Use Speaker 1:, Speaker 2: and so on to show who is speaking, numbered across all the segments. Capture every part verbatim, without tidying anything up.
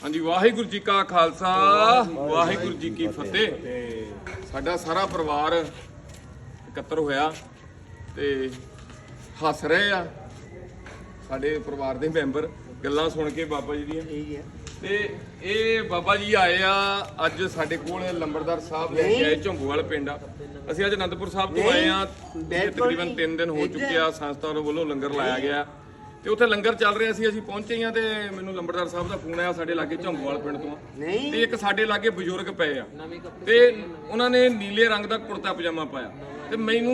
Speaker 1: हाँ जी, वाहिगुरू जी का खालसा वाहिगुरू जी की फतेह। साडा सारा परिवार इकत्तर होया ते हस रहे आ साडे परिवार दे मैंबर गल्लां सुन के बाबा जी दियां ते ਇਹ ਬਾਬਾ ਜੀ ਆਏ ਆ ਅੱਜ ਸਾਡੇ ਕੋਲ ਲੰਬੜਦਾਰ ਸਾਹਿਬ ਲੈ ਕੇ ਆਏ ਝੰਬੂਵਾਲ ਪਿੰਡ ਆ। ਅਸੀਂ ਅੱਜ ਅਨੰਦਪੁਰ ਸਾਹਿਬ ਤੋਂ ਆਏ ਆ, ਤਕਰੀਬਨ ਤਿੰਨ ਦਿਨ ਹੋ ਚੁੱਕੇ ਆ। ਸੰਸਥਾ ਵੱਲੋਂ ਲੰਗਰ ਲਾਇਆ ਗਿਆ ਤੇ ਉੱਥੇ ਲੰਗਰ ਚੱਲ ਰਿਹਾ ਸੀ। ਅਸੀਂ ਪਹੁੰਚੇ ਆ ਤੇ ਮੈਨੂੰ ਲੰਬੜਦਾਰ ਸਾਹਿਬ ਦਾ ਫੋਨ ਆਇਆ ਸਾਡੇ ਲਾਗੇ ਝੰਬੂਵਾਲ ਪਿੰਡ ਤੋਂ ਤੇ ਇੱਕ ਸਾਡੇ ਲਾਗੇ ਬਜ਼ੁਰਗ ਪਏ ਆ ਤੇ ਉਹਨਾਂ ਨੇ ਨੀਲੇ ਰੰਗ ਦਾ ਕੁੜਤਾ ਪਜਾਮਾ ਪਾਇਆ ਤੇ ਮੈਨੂੰ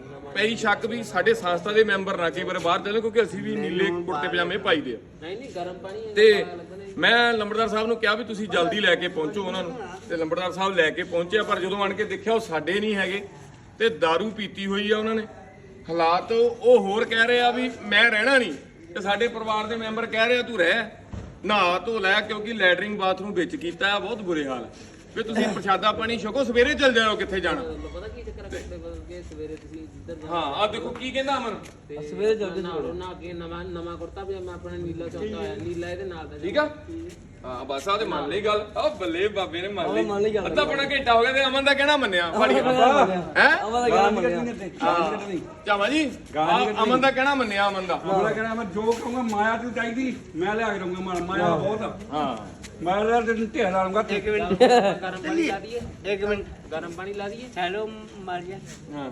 Speaker 1: ਪਈ ਸ਼ੱਕ ਵੀ ਸਾਡੇ ਸੰਸਥਾ ਦੇ ਮੈਂਬਰ ਨਾ ਕਈ ਵਾਰ ਬਾਹਰ ਚੱਲੇ, ਕਿਉਂਕਿ ਅਸੀਂ ਵੀ ਨੀਲੇ ਕੁੜਤੇ ਪਜਾਮੇ ਪਾਈਦੇ ਆ।
Speaker 2: ਨਹੀਂ ਨਹੀਂ ਗਰਮ ਪਾਣੀ
Speaker 1: ਤੇ ਮੈਂ ਲੰਬੜਦਾਰ ਸਾਹਿਬ ਨੂੰ ਕਿਹਾ ਵੀ ਤੁਸੀਂ ਜਲਦੀ ਲੈ ਕੇ ਪਹੁੰਚੋ ਉਹਨਾਂ ਨੂੰ, ਤੇ ਲੰਬੜਦਾਰ ਸਾਹਿਬ ਲੈ ਕੇ ਪਹੁੰਚਿਆ। ਪਰ ਜਦੋਂ ਆਣ ਕੇ ਦੇਖਿਆ ਉਹ ਸਾਡੇ ਨਹੀਂ ਹੈਗੇ ਤੇ दारू ਪੀਤੀ ਹੋਈ ਆ ਉਹਨਾਂ ਨੇ। ਹਾਲਾਤ ਉਹ ਹੋਰ ਕਹਿ ਰਹੇ ਆ ਵੀ ਮੈਂ ਰਹਿਣਾ ਨਹੀਂ ਤੇ ਸਾਡੇ ਪਰਿਵਾਰ ਦੇ ਮੈਂਬਰ ਕਹਿ ਰਹੇ ਆ ਤੂੰ ਰਹਿ, ਨਹਾ ਧੋ ਲੈ, ਕਿਉਂਕਿ ਲੈਟਰਿੰਗ ਬਾਥਰੂਮ ਵਿੱਚ ਕੀਤਾ ਆ। ਬਹੁਤ ਬੁਰੇ ਹਾਲ ਵੀ ਤੁਸੀਂ ਪ੍ਰਸ਼ਾਦਾ ਪਾਣੀ ਛਕੋ, ਸਵੇਰੇ ਚੱਲ ਜਾਓ ਕਿੱਥੇ ਜਾਣਾ।
Speaker 2: ਪਤਾ ਕੀ ਚੱਕਰ ਹੈ, ਸਵੇਰੇ ਤੁਸੀਂ ਜਿੱਧਰ
Speaker 1: ਹਾਂ ਆ ਦੇਖੋ ਕੀ ਕਹਿੰਦਾ ਅਮਨ,
Speaker 2: ਸਵੇਰੇ ਜਲਦੀ ਨਾਲੋ ਨਾ ਅੱਗੇ ਨਵਾਂ ਨਵਾਂ ਕੁੜਤਾ ਪਜਾਮਾ ਆਪਣਾ ਨੀਲਾ ਚੌਂਦਾ ਹੋਇਆ, ਨੀਲਾ ਇਹਦੇ ਨਾਲ ਦਾ
Speaker 1: ਠੀਕ ਆ। ਹਾਂ ਬਸ ਆ ਤੇ ਮੰਨ ਲਈ ਗੱਲ। ਆ ਬੱਲੇ ਬਾਬੇ ਨੇ ਮੰਨ ਲਈ। ਅੱਧਾ ਪੌਣਾ ਘੰਟਾ ਹੋ ਗਿਆ ਤੇ ਅਮਨ ਦਾ ਕਹਿਣਾ ਮੰਨਿਆ। ਫੜੀ ਹੈ
Speaker 3: ਅਮਨ ਦਾ ਕਹਿਣਾ ਮੰਨਿਆ।
Speaker 1: ਚਾਵਾ ਜੀ ਅਮਨ ਦਾ ਕਹਿਣਾ ਮੰਨਿਆ। ਅਮਨ ਦਾ
Speaker 3: ਅਮਨ ਦਾ ਕਹਿਣਾ ਮੈਂ ਜੋ ਕਹੂੰਗਾ ਮਾਇਆ ਤੂੰ ਚਾਹੀਦੀ ਮੈਂ ਲਿਆ ਕੇ ਦਊਂਗਾ। ਮਾਇਆ ਮਾਇਆ ਬਹੁਤ ਆ।
Speaker 1: ਹਾਂ
Speaker 3: ਮੈਂ ਲਿਆ ਤੇ ਢੇਰ ਲਾਉਂਗਾ।
Speaker 2: ਇੱਕ ਮਿੰਟ ਗਰਮ ਪਾਣੀ ਲਾ ਦਈਏ, ਇੱਕ ਮਿੰਟ ਗਰਮ ਪਾਣੀ ਲਾ ਦਈਏ। Hello Maria.
Speaker 1: ਹਾਂ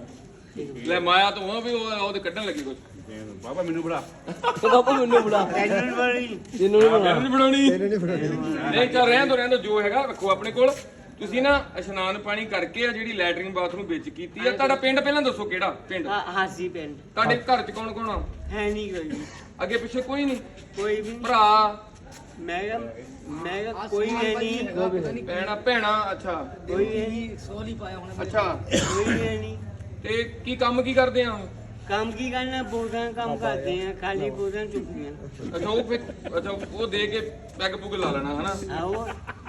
Speaker 1: ਲੈ ਮਾਇਆ ਤੋਂ ਉਹ ਵੀ ਉਹ ਉਹਦੇ ਕੱਢਣ ਲੱਗੀ ਕੁਝ।
Speaker 3: ਬਾਬਾ ਮੈਨੂੰ ਬੜਾ
Speaker 2: ਬਾਬਾ ਮੈਨੂੰ ਬੁਲਾ ਤੈਨੂੰ ਬੜੀ ਤੈਨੂੰ
Speaker 1: ਨਹੀਂ ਬਣਾਉਣੀ ਨਹੀਂ ਚੱਲ ਰਹਿਣ ਦੋ ਰਹਿਣ ਦੋ, ਜੋ ਹੈਗਾ ਰੱਖੋ ਆਪਣੇ ਕੋਲ। ਤੁਸੀਂ ਨਾ ਇਸ਼ਨਾਨ ਪਾਣੀ ਕਰਕੇ ਆ ਜਿਹੜੀ ਲੈਟਰਿੰਗ ਬਾਥਰੂਮ ਵਿੱਚ ਕੀਤੀ ਆ। ਤੁਹਾਡਾ ਪਿੰਡ ਪਹਿਲਾਂ ਦੱਸੋ ਕਿਹੜਾ ਪਿੰਡ?
Speaker 4: ਹਾਸੀ ਪਿੰਡ।
Speaker 1: ਤੁਹਾਡੇ ਘਰ ਚ ਕੌਣ ਕੌਣ ਆ?
Speaker 4: ਹੈ ਨਹੀਂ ਕੋਈ,
Speaker 1: ਅੱਗੇ ਪਿੱਛੇ ਕੋਈ ਨਹੀਂ?
Speaker 4: ਕੋਈ ਵੀ
Speaker 1: ਭਰਾ
Speaker 4: ਮੈਂ ਕਿਹਾ ਮੈਂ ਕਿਹਾ ਕੋਈ ਹੈ ਨਹੀਂ,
Speaker 1: ਭੈਣਾ ਭੈਣਾ ਅੱਛਾ
Speaker 4: ਕੋਈ ਹੈ ਨਹੀਂ, ਸੋਲੀ ਪਾਇਆ ਹੁਣ
Speaker 1: ਅੱਛਾ
Speaker 4: ਕੋਈ ਹੈ ਨਹੀਂ।
Speaker 1: ਤੇ ਕੀ ਕੰਮ ਕੀ ਕਰਦੇ ਆ?
Speaker 4: ਕੰਮ ਕੀ ਕਰਨਾ, ਬੋਝਾਂ ਕੰਮ ਕਰਦੇ ਆ, ਖਾਲੀ ਬੋਝਾਂ ਚੁੱਕੀਆਂ।
Speaker 1: ਅੱਛਾ ਉਹ ਫਿਰ ਅੱਛਾ ਉਹ ਦੇ ਕੇ ਪੈਗ ਪੁਗ ਲਾ ਲੈਣਾ ਹਨਾ।
Speaker 4: ਆਓ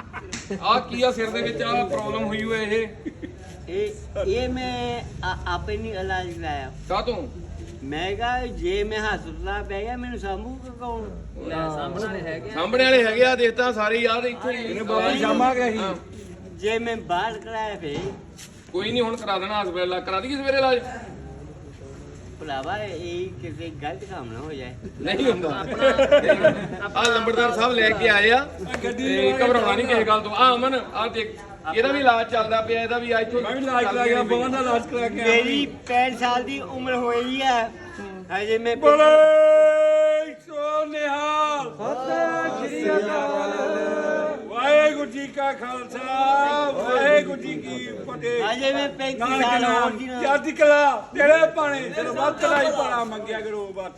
Speaker 1: ਆ ਕੀ ਆ ਸਿਰ ਦੇ ਵਿੱਚ ਆ ਪ੍ਰੋਬਲਮ ਹੋਈ ਹੋਏ ਇਹ
Speaker 4: ਇਹ ਇਹ ਮੈਂ ਆ- ਆਪੇ ਨਹੀਂ ਇਲਾਜ ਕਰਾਇਆ।
Speaker 1: ਕਾਹ ਤੋਂ?
Speaker 4: ਮੈਂ ਕਿਹਾ ਜੇ ਮੈਂ ਹਸਪਤਾਲ ਪੈ ਗਿਆ ਮੈਨੂੰ ਸਾਂਭੂ ਕੌਣ?
Speaker 2: ਸਾਹਮਣੇ ਵਾਲੇ ਹੈਗੇ
Speaker 1: ਸਾਹਮਣੇ ਵਾਲੇ ਹੈਗੇ ਆ, ਦੇਖਤਾ ਸਾਰੇ ਯਾਰ ਇੱਥੇ ਹੀ।
Speaker 3: ਬਾਬਾ ਸ਼ਾਮਾ ਗਿਆ ਸੀ।
Speaker 1: ਹਾਂ।
Speaker 4: ਜੇ ਮੈਂ ਬਾਹਰ ਕਰਾਇਆ ਫੇ
Speaker 1: ਕੋਈ ਨਹੀਂ ਹੁਣ ਕਰਾ ਦੇਣਾ ਹਸਪਤਾਲ, ਕਰਾ ਦਈਏ ਸਵੇਰੇ ਇਲਾਜ।
Speaker 4: ਭਰਾਵਾ ਇਹ ਕਿਸੇ ਗਲਤ ਕੰਮ ਨਾ ਹੋ ਜਾਏ।
Speaker 1: ਨਹੀਂ ਹੁੰਦਾ। ਆ ਲੰਬੜਦਾਰ ਸਾਹਿਬ ਲੈ ਕੇ ਆਏ ਆ ਤੇ ਘਬਰਾਉਣਾ ਨਹੀਂ ਕਿਸੇ ਗੱਲ ਤੋਂ। ਆ ਅਮਨ ਆ ਦੇਖ ਇਹਦਾ ਵੀ ਇਲਾਜ ਚੱਲਦਾ ਪਿਆ, ਇਹਦਾ ਵੀ ਅੱਜ ਤੋਂ
Speaker 3: ਮੈਂ ਵੀ ਇਲਾਜ ਕਰਾ ਗਿਆ। ਬਾਬਾ ਦਾ ਇਲਾਜ ਕਰਾ ਕੇ ਆਇਆ।
Speaker 4: ਮੇਰੀ ਪੈਂਹਠ ਸਾਲ ਦੀ ਉਮਰ ਹੋਈ ਹੈ ਹਜੇ ਮੈਂ
Speaker 3: ਬੋਲੇ ਸੋ ਨਿਹਾਲ ਸਤਿ ਸ੍ਰੀ ਅਕਾਲ। ਵਾਹਿਗੁਰੂ ਜੀ ਕਾ ਖਾਲਸਾ ਵਾਹਿਗੁਰੂ ਜੀ ਕੀ ਫਤਿਹ।
Speaker 4: ਹਜੇ ਮੈਂ ਪੈਂਤੀ
Speaker 3: ਨਾਨਕ
Speaker 4: ਸਾਲ
Speaker 3: ਨਾਮ
Speaker 4: ਹੋ ਗਈ ਨਾ।
Speaker 3: ਚੜ੍ਹਦੀ ਕਲਾ ਤੇਰੇ ਪਾਣੇ ਤੇਰੇ ਵੱਧ ਚੜਾਈ ਪਾਣਾ ਮੰਗਿਆ ਕਰੋ ਬਸ।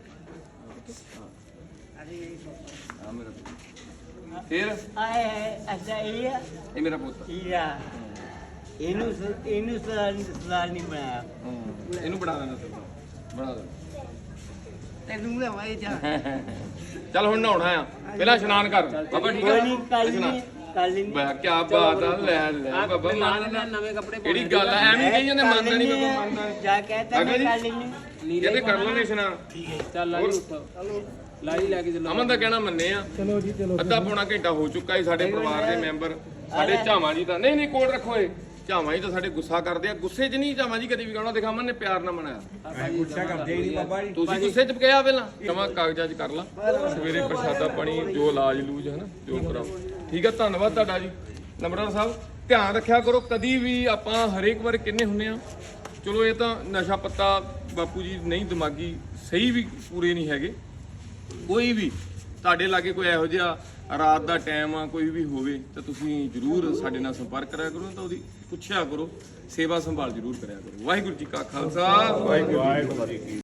Speaker 1: ਫਿਰ
Speaker 4: ਆਏ ਹੈ ਅੱਛਾ ਇਹ ਹੈ
Speaker 1: ਇਹ ਮੇਰਾ ਪੁੱਤ
Speaker 4: ਹੀਰਾ। ਇਹਨੂੰ ਸ- ਇਹਨੂੰ ਸਲਾਲ ਸਲਾਲ ਨਹੀਂ ਬਣਾਇਆ।
Speaker 1: ਇਹਨੂੰ ਬਣਾ ਦੇਣਾ ਤੂੰ ਬਣਾ ਦੇ।
Speaker 4: ਤੈਨੂੰ ਨਾ ਵਾਏ ਜਾ
Speaker 1: ਚੱਲ ਹੁਣ ਨਹਾਉਣਾ ਆ, ਪਹਿਲਾਂ ਇਸ਼ਨਾਨ ਕਰ ਬਾਬਾ। ਠੀਕ
Speaker 4: ਕੋਈ ਨਹੀਂ
Speaker 1: ਆ
Speaker 4: ਕੱਲ
Speaker 1: ਇਸ਼ਨਾਨ।
Speaker 4: ਨਹੀਂ ਕੱਲ ਨਹੀਂ
Speaker 1: ਬਾ ਕੀ ਬਾਤ ਆ। ਲੈ ਲੈ ਬਾਬਾ
Speaker 2: ਨਾਲ
Speaker 1: ਮੰਨ
Speaker 2: ਨਾਲ ਨਵੇਂ ਕੱਪੜੇ
Speaker 1: ਕਿਹੜੀ ਗੱਲ ਆ? ਐਵੇਂ ਕਹੀ ਜਾਂਦੇ ਮੰਨਦਾ ਨਹੀਂ ਬਾਬਾ, ਮੰਨਦਾ
Speaker 4: ਜਾ ਕਹਤਾ ਮੈਂ ਕੱਲ ਨਹੀਂ।
Speaker 1: ਕਹਿੰਦੇ ਕਰ ਲਾਂਗੇ ਇਸ਼ਨਾਨ।
Speaker 2: ਚੱਲ ਲਾਈ ਉੱਠ ਲਾਈ ਲੈ ਕੇ ਚੱਲੋ।
Speaker 1: ਅਮਨ ਦਾ ਕਹਿਣਾ ਮੰਨੇ ਆ। ਚਲੋ ਜੀ ਚਲੋ। ਅੱਧਾ ਪੌਣਾ ਘੰਟਾ ਹੋ ਚੁੱਕਾ ਹੈ। ਸਾਡੇ ਪਰਿਵਾਰ ਦੇ ਮੈਂਬਰ ਸਾਡੇ ਝਾਵਾਂ ਜੀ ਦਾ ਨਹੀਂ ਨਹੀਂ ਕੋਲ ਰੱਖੋ ਇਹ ਝਾਵਾਂ ਜੀ ਤਾਂ ਸਾਡੇ ਗੁੱਸਾ ਕਰਦੇ ਆ। ਗੁੱਸੇ 'ਚ ਨਹੀਂ ਝਾਵਾਂ ਜੀ ਕਦੇ ਵੀ ਕਹਿਣਾ। ਦੇਖਾ ਅਮਨ ਨੇ ਪਿਆਰ ਨਾਲ ਮਨਾਇਆ।
Speaker 3: ਗੁੱਸਾ ਕਰਦੇ ਹੀ ਨਹੀਂ ਬਾਬਾ ਜੀ।
Speaker 1: ਤੁਸੀਂ ਗੁੱਸੇ 'ਚ ਕਿਹਾ ਪਹਿਲਾਂ ਜਮਾ ਕਾਗਜ਼ਾਂ 'ਚ ਕਰ ਲਾ, ਸਵੇਰੇ ਪ੍ਰਸ਼ਾਦਾ ਪਾਣੀ ਜੋ ਇਲਾਜ ਲੂਜ ਹੈ ਨਾ ਜੋ ਕਰਾਓ। ਠੀਕ ਆ, ਧੰਨਵਾਦ ਤੁਹਾਡਾ ਜੀ ਲੰਬੜਦਾਰ ਸਾਹਿਬ। ਧਿਆਨ ਰੱਖਿਆ ਕਰੋ ਕਦੀ ਵੀ। ਆਪਾਂ ਹਰੇਕ ਵਾਰ ਕਿੰਨੇ ਹੁੰਨੇ ਆ। ਚਲੋ ਇਹ ਤਾਂ ਨਸ਼ਾ ਪੱਤਾ ਬਾਪੂ ਜੀ ਨਹੀਂ, ਦਿਮਾਗੀ ਸਹੀ ਵੀ ਪੂਰੇ ਨਹੀਂ ਹੈਗੇ। ਕੋਈ ਵੀ ਤੁਹਾਡੇ ਲਾਗੇ ਕੋਈ ਇਹੋ ਜਿਹਾ ਰਾਤ ਦਾ ਟਾਈਮ ਆ ਕੋਈ ਵੀ ਹੋਵੇ ਤਾਂ ਤੁਸੀਂ ਜ਼ਰੂਰ ਸਾਡੇ ਨਾਲ ਸੰਪਰਕ ਕਰਿਆ ਕਰੋ, ਤਾਂ ਉਹਦੀ ਪੁੱਛਿਆ ਕਰੋ, ਸੇਵਾ ਸੰਭਾਲ ਜ਼ਰੂਰ ਕਰਿਆ ਕਰੋ। ਵਾਹਿਗੁਰੂ ਜੀ ਕਾ ਖਾਲਸਾ ਵਾਹਿਗੁਰੂ ਜੀ ਕੀ ਫਤਿਹ।